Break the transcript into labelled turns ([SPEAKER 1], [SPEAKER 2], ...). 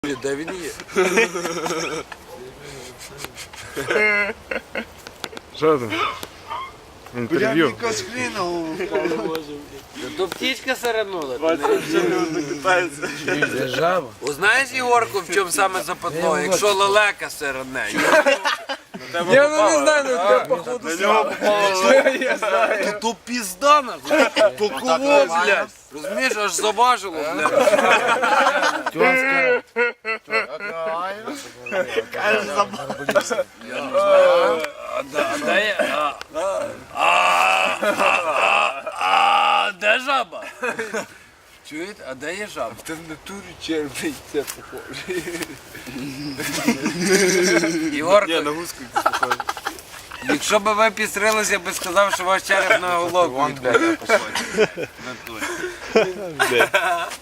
[SPEAKER 1] Де він є?
[SPEAKER 2] Що там? Інтерв'ю.
[SPEAKER 1] То птічка саранула.
[SPEAKER 3] Це жаба.
[SPEAKER 1] Знаєш, Ігорку, в чому саме западло? Якщо лелека сиране.
[SPEAKER 3] Я не знаю, ну тебе походу я знаю.
[SPEAKER 1] То пізда нахуй. То кого, блядь? Розумієш, аж заважило, блядь. Де жаба? Чуєте? А де є жаба?
[SPEAKER 3] Ти в натурі червний, це похоже.
[SPEAKER 1] Ігорку,
[SPEAKER 2] На гуску похоже.
[SPEAKER 1] якщо б ви пістрилися, я би сказав, що ваш череп на голову відбив.